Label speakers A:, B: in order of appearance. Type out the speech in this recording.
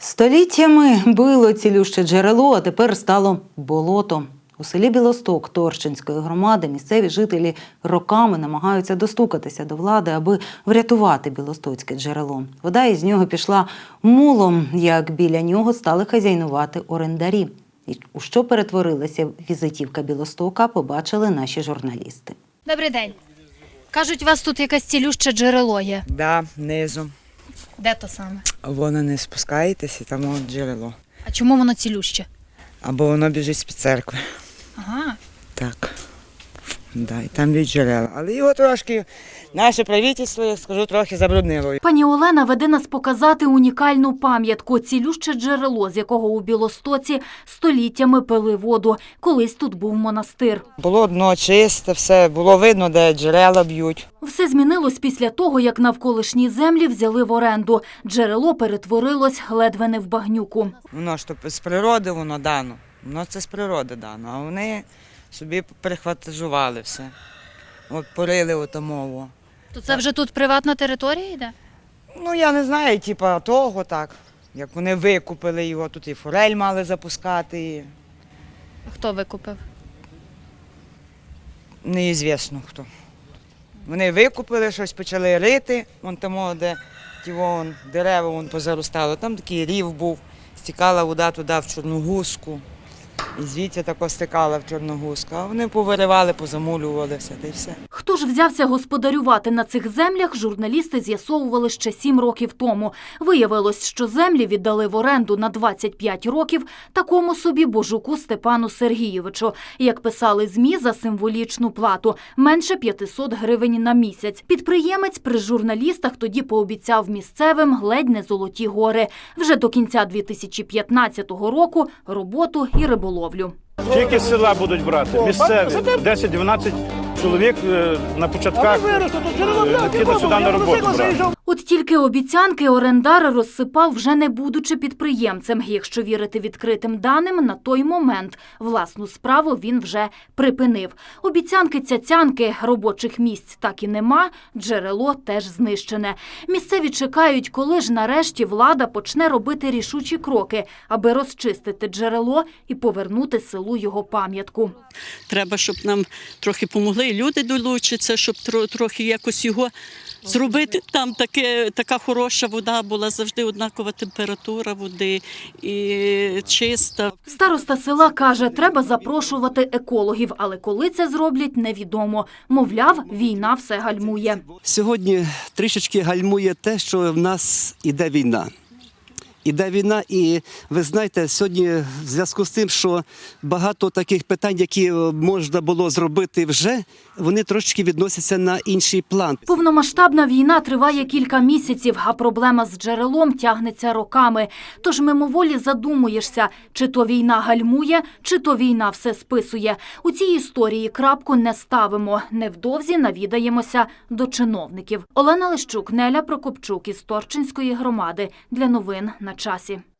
A: Століттями било цілюще джерело, а тепер стало болото. У селі Білосток Торчинської громади місцеві жителі роками намагаються достукатися до влади, аби врятувати білостоцьке джерело. Вода із нього пішла мулом, як біля нього стали хазяйнувати орендарі. І у що перетворилася візитівка Білостока, побачили наші журналісти.
B: Добрий день. Кажуть, у вас тут якесь цілюще джерело є.
C: Да, низом.
B: Де то саме?
C: Воно не спускаєтесь і там от джерело.
B: А чому воно цілюще?
C: Або воно біжить з-під церкви.
B: Ага.
C: Так. Да, і там б'ють джерела. Але його трошки, наше правительство, я скажу, трохи забруднило.
D: Пані Олена веде нас показати унікальну пам'ятку – цілюще джерело, з якого у Білостоці століттями пили воду. Колись тут був монастир.
C: Було дно чисте, все, було видно, де джерела б'ють.
D: Все змінилось після того, як навколишні землі взяли в оренду. Джерело перетворилось ледве не в багнюку.
C: Воно ж то з природи воно дано. Воно це з природи дано, а вони собі перехватизували все. От порили отамово.
B: То це вже тут приватна територія йде?
C: Ну, я не знаю, типа того так. Як вони викупили його, тут і форель мали запускати.
B: А хто викупив?
C: Неізвісно хто. Вони викупили щось, почали рити, вон там, де ті вон, дерева вон позаростало. Там такий рів був, стікала вода туди в Чорногузку. І звідти тако стикала в Чорногузку. А вони повиривали, позамулювали все, та й все.
D: Хто ж взявся господарювати на цих землях, журналісти з'ясовували ще 7 років тому. Виявилось, що землі віддали в оренду на 25 років такому собі Божуку Степану Сергійовичу. Як писали ЗМІ, за символічну плату – менше 500 гривень на місяць. Підприємець при журналістах тоді пообіцяв місцевим ледь не золоті гори. Вже до кінця 2015 року – роботу і риболовлю.
E: Тільки з села будуть брати, місцеві, 10-12 чоловік на початках підуть сюди на роботу брати.
D: От тільки обіцянки орендар розсипав, вже не будучи підприємцем. Якщо вірити відкритим даним, на той момент власну справу він вже припинив. Обіцянки-цяцянки, робочих місць так і нема, джерело теж знищене. Місцеві чекають, коли ж нарешті влада почне робити рішучі кроки, аби розчистити джерело і повернути селу його пам'ятку.
F: Треба, щоб нам трохи помогли, і люди долучаться, щоб трохи якось його зробити. Там така хороша вода була, завжди однакова температура води і чиста.
D: Староста села каже, треба запрошувати екологів, але коли це зроблять, невідомо. Мовляв, війна все гальмує.
G: Сьогодні трішечки гальмує те, що в нас іде війна. Іде війна, і ви знаєте, сьогодні в зв'язку з тим, що багато таких питань, які можна було зробити вже, вони трошки відносяться на інший план.
D: Повномасштабна війна триває кілька місяців, а проблема з джерелом тягнеться роками. Тож мимоволі задумуєшся, чи то війна гальмує, чи то війна все списує. У цій історії крапку не ставимо. Невдовзі навідаємося до чиновників. Олена Лищук, Неля Прокопчук із Торчинської громади. Для новин на часі.